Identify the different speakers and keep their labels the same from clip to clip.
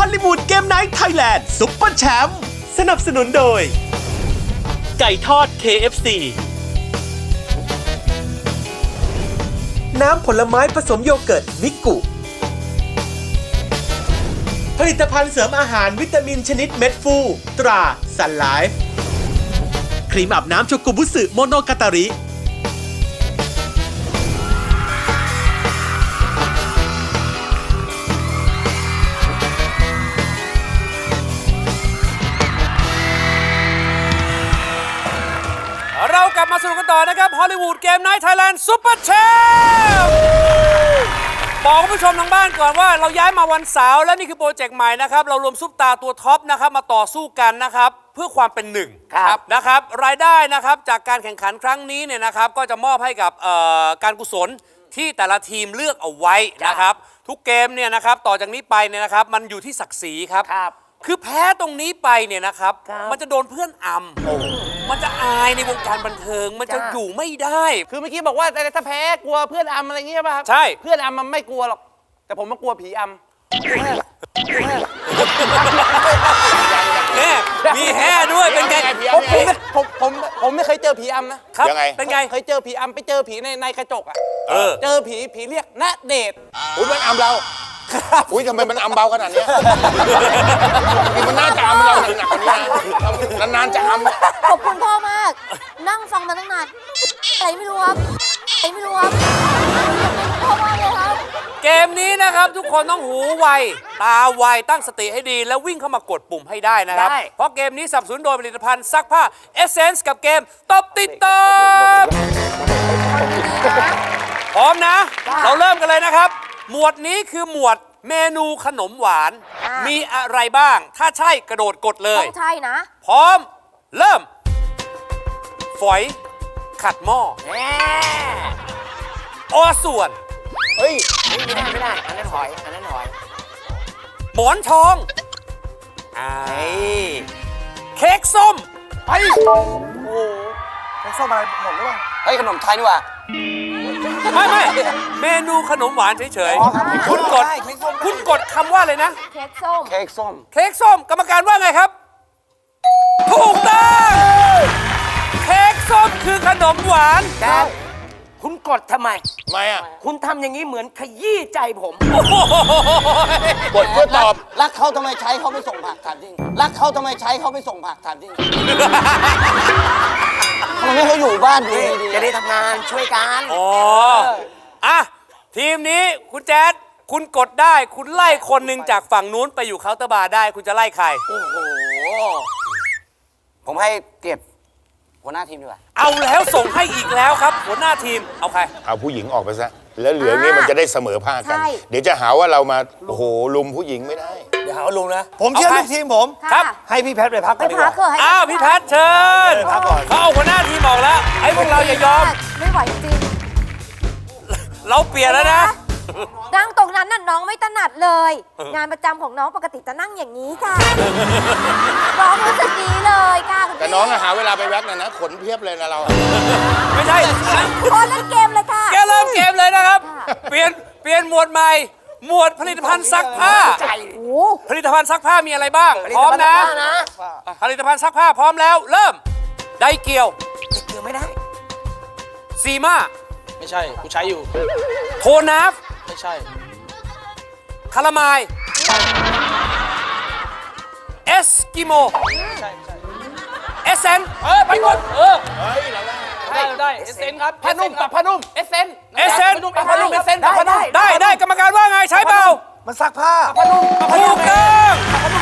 Speaker 1: อลลีวูดเกมไนท์ไทยแลนด์ซุปเปอร์แชมป์สนับสนุนโดย ไก่ทอด KFC น้ำผลไม้ผสมโยเกิร์ตมิกุ ผลิตภัณฑ์เสริมอาหารวิตามินชนิดเม็ดฟูตราซันไลฟ์ครีมอาบน้ำโชกุบุสึโมโนกาตาริ
Speaker 2: เรากลับมาสนุกกันต่อนะครับฮอลลีวูดเกมไนท์ไทยแลนด์ซุปเปอร์แชมป์บอกคุณผู้ชมทางบ้านก่อนว่าเราย้ายมาวันเสาร์และนี่คือโปรเจกต์ใหม่นะครับเรารวมซุปตาตัวท็อปนะครับมาต่อสู้กันนะครับเพื่อความเป็นหนึ่งนะครับรายได้นะครับจากการแข่งขันครั้งนี้เนี่ยนะครับก็จะมอบให้กับการกุศลที่แต่ละทีมเลือกเอาไว้นะครับทุกเกมเนี่ยนะครับต่อจากนี้ไปเนี่ยนะครับมันอยู่ที่ศักดิ์ศรีครับคือแพ้ตรงนี้ไปเนี่ยนะครับมันจะโดนเพื่อนอำมันจะอายในวงการบันเทิงมันจะอยู่ไม่ได้
Speaker 3: คือเมื่อกี้บอกว่าถ้าแพ้กลัวเพื่อนอำอะไรอย่างเงี้ยป่ะครับ
Speaker 2: ใช่
Speaker 3: เพื่อนอำมันไม่กลัวหรอกแต่ผมมากลัวผีอำ
Speaker 2: แม่มีแห่ด้วยเป็นไง
Speaker 3: ผมไม่เคยเจอผีอำนะครับ
Speaker 4: ยังไง
Speaker 2: เป็นไง
Speaker 3: เคยเจอผีอำไปเจอผีในกระจกอ่ะเจอผีเรียกณเดชน์
Speaker 4: อุ้ยมันอำเราอุ้ยทำไมมันอำเบาขนาดเนี้ยมันน่าจะอำเราหนักๆกว่านี้นะนานๆจะอำ
Speaker 5: ขอบคุณพ่อมาก นั่งฟังมาตั้งนานอะไรไม่รู้ครับอะไรไม่รู้ครับพ่อมากเลยครับ
Speaker 2: เกมนี้นะครับทุกคนต้องหูไวตาไวตั้งสติให้ดีแล้ววิ่งเข้ามากดปุ่มให้ได้นะครับเพราะเกมนี้สนับสนุนโดยผลิตภัณฑ์ซักผ้า Essence กับเกมตบติดตบพร้อมนะ เราเริ่มกันเลยนะครับหมวดนี้คือหมวดเมนูขนมหวานมีอะไรบ้างถ้าใช่กระโดดกดเลย
Speaker 5: ต้องใช่นะ
Speaker 2: พร้อมเริ่มฝอยขัดหม้อส่วน
Speaker 4: เฮ้ย
Speaker 3: ไม่ได้อันนั้นหอย
Speaker 2: หมอนทองเค้กส้ม
Speaker 3: เฮ้ยขนมไทยนี่หว่า
Speaker 2: ไม่เมนูขนมหวานเฉยๆคุณกดคำว่าเลยนะ
Speaker 5: เค้กส้ม
Speaker 3: เค้กส้ม
Speaker 2: เค้กส้มกรรมการว่าไงครับ ถูกต้องเค้กส้มคือขนมหวาน
Speaker 3: คุณกดทำไม
Speaker 4: ทำไมอ่ะ
Speaker 3: คุณทำอย่างนี้เหมือนขยี้ใจผม
Speaker 4: กดเพื่อตอบ
Speaker 6: รักเขาทำไมใช้เขาไม่ส่งผักถามจริง รักเขาทำไมใช้เขาไม่ส่งผักถามจริง ทำไมไม่ให้อยู่บ้านดูดีๆ
Speaker 3: จะได้ทำงานช่วยกัน
Speaker 2: อ๋ออ่ะทีมนี้คุณแจ๊ดคุณกดได้คุณไล่คนหนึ่งจากฝั่งนู้นไปอยู่เคาน์เตอร์บาร์ได้คุณจะไล่ใคร
Speaker 6: โอ้โห ผมให้เกียรติหัวหน้าทีมดีกว่า
Speaker 2: เอาแล้วส่งให้อีกแล้วครับหัวหน้าทีมเอาใคร
Speaker 4: เอาผู้หญิงออกไปซะ แล้วเหลือนี้มันจะได้เสมอภาคกัน
Speaker 5: ใช่
Speaker 4: เดี๋ยวจะหาว่าเรามา โอ้โห ลุมผู้หญิงไม่ได้
Speaker 3: เดี๋ยวหาว่าลุงนะ
Speaker 7: ผมเชื่อลูกทีมผม
Speaker 2: ครับ
Speaker 7: ให้พี่แพทย์ไปพัก
Speaker 5: ไป
Speaker 7: ก่อนดีก
Speaker 5: พั
Speaker 7: ว่า
Speaker 5: กเถอะให้
Speaker 2: อ้าวพี่แพทย์เชิญ
Speaker 7: พักก่อน
Speaker 2: เขาเอาหัวหน้าทีมออกแล้วไอ้พวกเราอย่ายอม
Speaker 5: ไม่ไหวจริง
Speaker 2: เราเปลี่ยนแล้วนะ
Speaker 5: นั่งตรงนั้นน่ะน้องไม่ถนัดเลย งานประจำของน้องปกติจะนั่งอย่างนี้ค่ะ น้องรู้สึกดีเลยค่ะคุณ
Speaker 4: แต่น้องอะหาเวลาไปแว็กหน่อยนะ ขนเพียบเลยนะเรา
Speaker 2: ไม่ใช่
Speaker 5: โอ้เล่นเกมเลยค่ะ
Speaker 2: แกเริ่มเกมเลยนะครับ
Speaker 5: ค่ะ
Speaker 2: เปลี่ยนหมวดใหม่ หมวดผลิตภัณฑ์ซักผ้า
Speaker 5: โอ้
Speaker 2: ผลิตภัณฑ์ซักผ้ามีอะไรบ้าง พร้อมนะ ผลิตภัณฑ์ซักผ้าพร้อมแล้ว เริ่ม ไดเกียว
Speaker 3: เกี่ยวไม่ได้
Speaker 2: ซีมา
Speaker 7: ไม่ใช่ กูใช้อยู่
Speaker 2: โทนาฟ
Speaker 7: ไม่ใช่
Speaker 2: คารามายเอสกิโม
Speaker 7: ใช่
Speaker 2: เอสเซน
Speaker 3: ไปกดได้เอสเซนครับผ้านุ่มเอสเซน
Speaker 2: เอสเซน
Speaker 3: ผ้านุ่มเอสเซนผ้านุ่ม
Speaker 2: ได้กรรมการว่าไงใช้เปล่า
Speaker 7: มันซักผ้า
Speaker 2: ถูกต้อง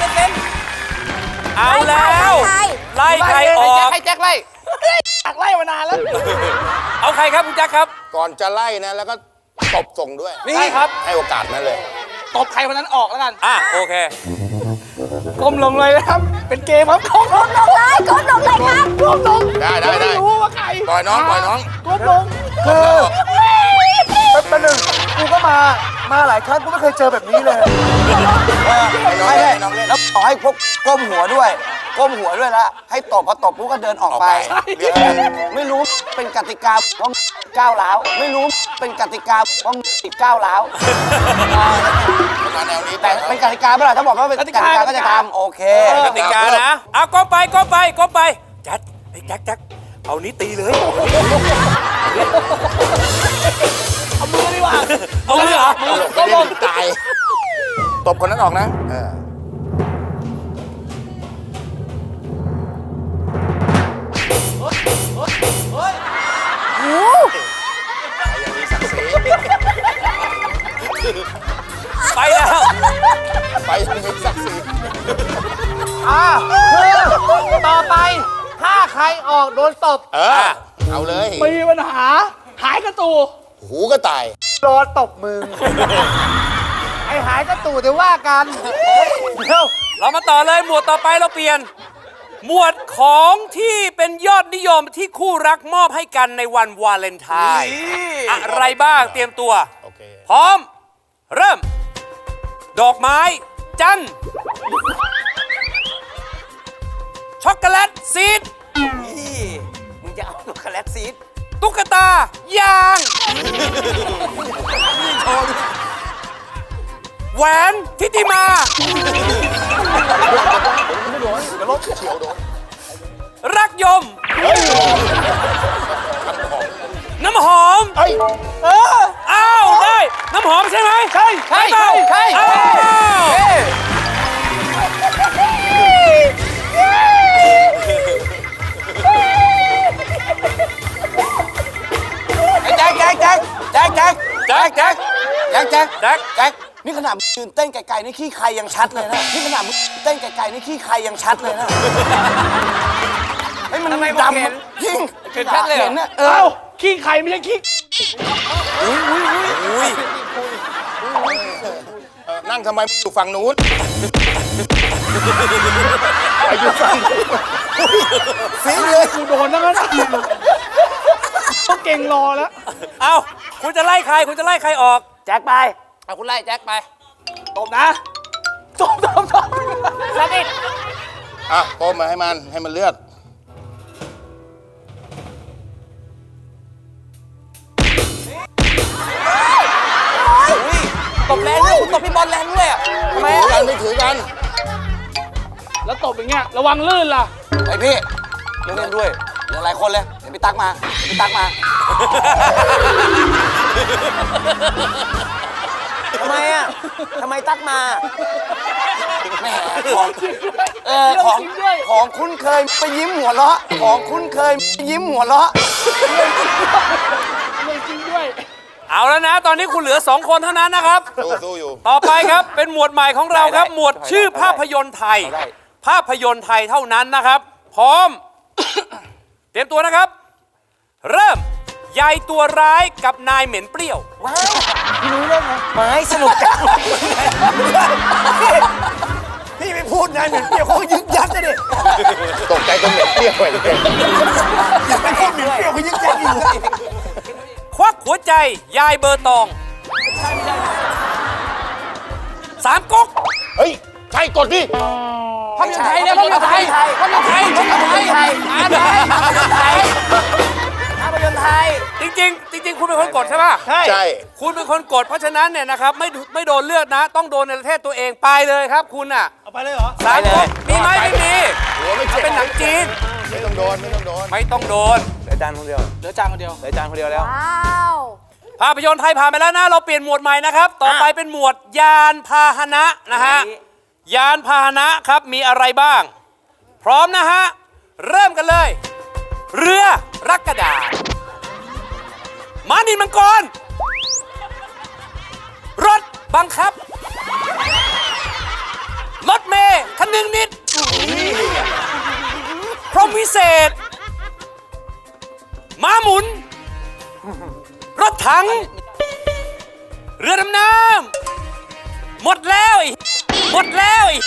Speaker 2: เอาแล้วไล่ใครออก
Speaker 3: ให้แจ็คไล่ตักไล่มานานแล้ว
Speaker 2: เอาใครครับคุณแจ็คครับ
Speaker 4: ก่อนจะไล่นะ แล้วก็ตบส่งด้วย
Speaker 3: นี่ครับ
Speaker 4: ให้โอกาสนั้นเลย
Speaker 3: ตบใครวันนั้นออกแล้วกัน
Speaker 2: โอเค
Speaker 7: ก้มลงเลยนะครับ เป็นเกมครับก้มลง
Speaker 5: ลงเลยก้มลงเลยครับ
Speaker 7: ก้มลง
Speaker 4: ได้
Speaker 7: ไม่รู้ว่าใคร
Speaker 4: ปล่อยน้อง
Speaker 7: ก้มลง คือเป็นหนึ่งกูก็มาหลายครั้งกูไม่เคยเจอแบบนี้เลย
Speaker 4: ให้น้องเล่น
Speaker 6: แล้วขอให้พวกก้มหัวด้วยก้มหัวด้วยละให้ตบพอตบปุ๊บก็เดินออกไป
Speaker 4: เรียกอะไร
Speaker 6: ไม่รู้เป็นกติกาเพราะก้าวร้าวไม่รู้เป็นกติกาเพราะติดก้าวร้าว
Speaker 4: มาแนวนี้
Speaker 6: แต่เป็นกติกาเมื่อไหร่ถ้าบอกว่าเป็นกติกาก็จะทำโอเค
Speaker 2: กติกานะเอาก้มไปก้มไปก้มไปแจ็คไอ้แจ็คเอานี้ตีเลย
Speaker 3: เอามือดีกว่า
Speaker 2: เอาเลยเหรอ
Speaker 4: ตลกไม่ได้ตายตบคนนั้นออกนะอย่างนี้ศักดิ์ศรี
Speaker 2: ไปแล้ว
Speaker 4: ไปอย่างนี้ศักดิ์ศรี
Speaker 7: คือต่อไป ถ้าใครออกโดนตบ
Speaker 4: เอาเลย
Speaker 3: มีปัญหาหายกระตู
Speaker 4: หูก็ตาย
Speaker 7: โดนตบมึง ไอ้หายก็ตู่เดี๋ยวว่ากันเร็ว
Speaker 2: เรามาต่อเลยหมวดต่อไปเราเปลี่ยน หมวดของที่เป็นยอดนิยมที่คู่รักมอบให้กันในวันวาเลนไทน์อะไรบ้างเตรียมตัว
Speaker 4: โอเค
Speaker 2: พร้อม เริ่ม ดอกไม้ จันทร์ช็อกโกแลตซีด
Speaker 6: มึงจะเอาช็อกโกแลตซีด
Speaker 2: ตุ๊กตายางแหวนทิติมา
Speaker 4: รถเฉียวโดน
Speaker 2: รักยม น้ำหอม
Speaker 4: เฮ้ย
Speaker 2: อ้าว ได้ น้ำหอมใช่ไหม
Speaker 3: ใช่
Speaker 2: ใช่เปล่า
Speaker 3: ใช่
Speaker 2: อ้าว
Speaker 6: แจ็คนี่ขนาดมึงยืนเต้นไกลๆนี่ขี้ใครยังชัดเลยนะนี่ขนาดมึงเต้นไกลๆนี่ขี้ใครยังชัดเลยนะไอ้มันดำยิ่งเห็นนะ
Speaker 3: เอ้าขี้ไข่ไม่ใช่ขี้
Speaker 4: นั่งทำไมอยู่ฝั่งนู้นไปอยู่ฝั่งนู้น
Speaker 6: ฟิงเลย
Speaker 3: กูโดนแล้วนะต้องเก่งรอแล้ว
Speaker 2: เอาคุณจะไล่ใคร คุณจะไล่ใครออก
Speaker 6: แจ็คไป
Speaker 3: เอาคุณไล่แจ็คไปตบนะตบสนิท
Speaker 4: อ่ะโก้มมาให้มันเลือก
Speaker 6: ตบแรงด้วยคุณตบพี่บอลแรงด้วยอะทำไม
Speaker 4: ถือ
Speaker 6: อะ
Speaker 4: กันไม่ถือกัน
Speaker 3: แล้วตบอย่างเงี้ยระวังลื่นล่ะ
Speaker 6: ไอพี่เล่นด้วยเหลือหลายคนเลยเดี๋ยวพี่ตั๊กมาทำไมอ่ะทำไมตั๊กมาแหมของคุ้นเคยไปยิ้มหัวเราะของคุ้นเคยไปยิ้มหัวเราะ
Speaker 3: ไม่จริงด้วย
Speaker 2: เอาแล้วนะ ตอนนี้คุณเหลือ 2 คนเท่านั้นนะครับ
Speaker 4: สู้อยู่
Speaker 2: ต่อไปครับ เป็นหมวดใหม่ของเราครับ หมวดชื่อภาพยนตร์ไทย ภาพยนตร์ไทยเท่านั้นนะครับ พร้อม เตรียมตัวนะครับ เริ่ม ยายตัวร้ายกับนายเหม็นเปรี้ยว
Speaker 6: ไม่สนุกจังพี่ไม่พูดนายเหมือนเดี๋ยวเขายึกยักจะดิ
Speaker 4: ตกใจจนเหม็นเปรี้ยวไปเลย
Speaker 6: ไม่พูดเหมือนเปรี้ยวเขายึกยักอยู่
Speaker 2: ควักหัวใจ ยายเบอร์ตองสามก๊ก
Speaker 4: เฮ้ย ใช่กดดิ
Speaker 3: ภาพยนตร์ไทยเนี่ยภาพยนตร์ไทยภาพยนตร์ไทยภาพยนตร์ไทยภาพยนตร์ไทย
Speaker 6: ภาพยนตร์ไทย
Speaker 2: จริง ๆ คุณเป็นคนกดใช่ปะ
Speaker 4: ใช่
Speaker 2: คุณเป็นคนกดเพราะฉะนั้นเนี่ยนะครับไม่โดนเลือกนะ ต้องโดนในประเทศตัวเองไปเลยครับคุณอ่ะ
Speaker 7: เอาไปเลยเหรอ
Speaker 2: สามก๊กมีไหมไม่มี
Speaker 4: หัวไม่
Speaker 2: มัน
Speaker 4: เจ็บ
Speaker 2: เป็นหนังจีน
Speaker 4: ไม่ต้องโดน
Speaker 2: ไม่ต้องโดน
Speaker 6: เหลือจานคนเดียว
Speaker 3: เหลือจานคนเดียว
Speaker 6: แล้ว
Speaker 5: ว้าว
Speaker 2: ภาพยนตร์ไทยผ่านไปแล้วนะ เราเปลี่ยนหมวดใหม่นะครับ ต่อไปเป็นหมวดยานพาหนะนะฮะ ยานพาหนะครับมีอะไรบ้าง พร้อมนะฮะ เริ่มกันเลย เรือรักกระดาษม้านินมังกร รถบังคับ รถเมย์คันหนึ่งนิด พรหมวิเศษ ม้าหมุน รถถัง เรือดำน้ำหมดแล้วไอ้หมดแล้วไอ้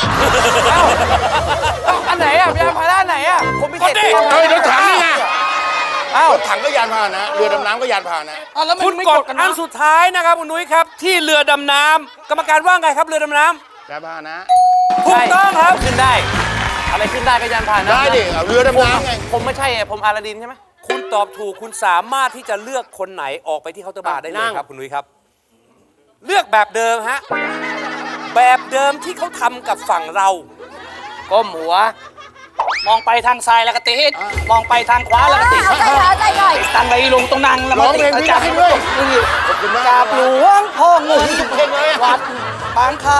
Speaker 3: อันไหนอ่ะยานพาหนะอันไหนอ่ะ
Speaker 6: ผมไม่
Speaker 2: กดดิ
Speaker 4: เฮ้ยรถถังนี่ไงรถถังก็ยานพาหนะ เรือดำน้ำก็ยานพาหนะ
Speaker 3: แล้วมัน
Speaker 2: คุณ
Speaker 3: ไม่
Speaker 2: ก
Speaker 3: ก
Speaker 2: ด
Speaker 3: ดกัน
Speaker 2: อั
Speaker 3: นะ
Speaker 2: นสุดท้ายนะครับคุณนุ้ยครับ ที่เรือดำน้ำกรรมการว่าไงครับเรือดำน้
Speaker 4: ยานพาหนะ
Speaker 2: ำถูกต้องครับ
Speaker 6: ขึ้นได้
Speaker 3: อะไรขึ้นได้ก็ยานพาหนะ
Speaker 4: ได้ดิเอาเรือดำน้ำไง
Speaker 3: ผมไม่ใช่ผมอาลาดินใช่ไหม
Speaker 2: คุณตอบถูกคุณสามารถที่จะเลือกคนไหนออกไปที่เคาน์เตอร์บาร์ได้เลยครับคุณนุ้ยครับ เลือกแบบเดิมฮะแบบเดิมที่เขาทำกับฝั่งเรา
Speaker 3: ก้มหัว มองไปทางซ้ายแล้วก็ติดมองไปทางขวาแล้วก็ติด
Speaker 5: เอาใจหน่อยเอาใจหน่อย
Speaker 3: ตั้งไปลงตรงนั่งแล้ว
Speaker 4: ร้องเพลงนี้ได้ด้วยขอบคุณมาก
Speaker 3: กราบหลวงพ่อเงิน
Speaker 4: เพลงเลยอะ
Speaker 3: วัดบางคา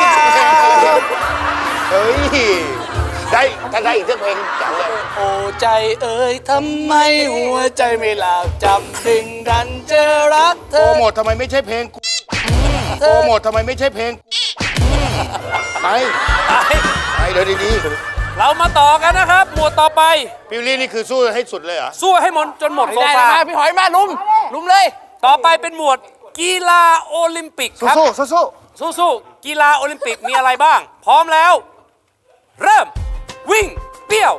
Speaker 4: เฮ้ยได้ถ้าได้อีกสักเพลงแจ๋วเลย
Speaker 3: โอ้ใจเอ่ยทำไมหัวใจไม่หลับจับดึงดันเจอรักเธ
Speaker 4: โปร
Speaker 3: อ
Speaker 4: โมททำไมไม่ใช่เพลงกูโปรโมททำไมไม่ใช่เพลงไปไปเดี๋ยวดี
Speaker 2: เรามาต่อกันนะครับ หมวดต่อไป
Speaker 4: ๆพิวลี่นี่คือสู้ให้สุดเลยเหรอ
Speaker 2: สู้ให้หมดจนหมดโซ
Speaker 3: ได้
Speaker 2: ฟา
Speaker 3: แล้วนะพี่หอยมาลุมเลย
Speaker 2: ต่อไปเป็นหมวดกีฬาโอลิมปิกครับ
Speaker 7: สู้สู้สู้
Speaker 2: สู้ๆกีฬาโอลิมปิกมีอะไรบ้าง พร้อมแล้ว เริ่ม วิ่ง เปี้ยว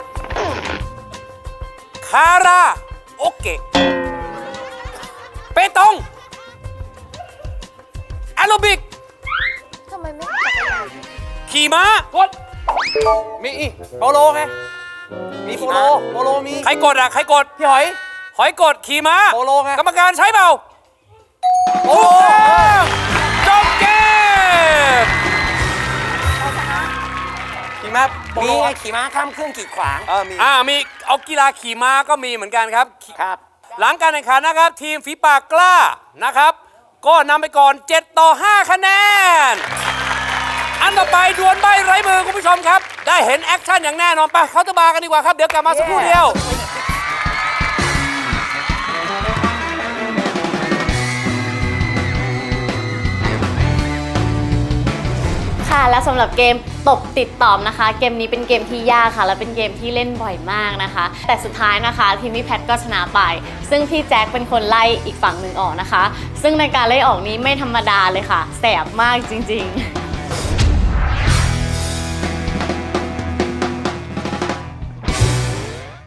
Speaker 2: คาราโอเกะ เปตอง แอโรบิก
Speaker 5: ทำไมไม่จักรยาน
Speaker 2: ขี่ม้า
Speaker 3: มีโปโลไงมีโปโลมี
Speaker 2: ใครกดอ่ะ ใครกด
Speaker 3: พี่หอย
Speaker 2: หอยกด ขี่ม้า
Speaker 3: โปโลไง
Speaker 2: กรรมการใช้เปล่า
Speaker 3: โอ้
Speaker 2: ถูกต้องจบเกม
Speaker 3: ขี่ม้ามีไงขี่ม้าข้ามเครื่องกีดขวางมี
Speaker 2: มีเอากีฬาขี่ม้าก็มีเหมือนกันครับ
Speaker 3: ครับ
Speaker 2: หลังการแข่งขันนะครับ ทีมฝีปากกล้านะครับ ก็นำไปก่อน 7-5 คะแนน อันต่อไปดวลใบไร้มือคุณผู้ชมครับ ได้เห็นแอคชั่นอย่างแน่นอนไปเคาน์เตอร์บาร์กันดีกว่าครับ เดี๋ยวกลับมาสักครู่เดียว
Speaker 8: ค่ะและสำหรับเกมตบติดตอบนะคะ เกมนี้เป็นเกมที่ยากค่ะและเป็นเกมที่เล่นบ่อยมากนะคะ แต่สุดท้ายนะคะทีมพี่แพทก็ชนะไป ซึ่งพี่แจ็คเป็นคนไล่อีกฝั่งหนึ่งออกนะคะ ซึ่งในการไล่ออกนี้ไม่ธรรมดาเลยค่ะแสบมากจริงๆ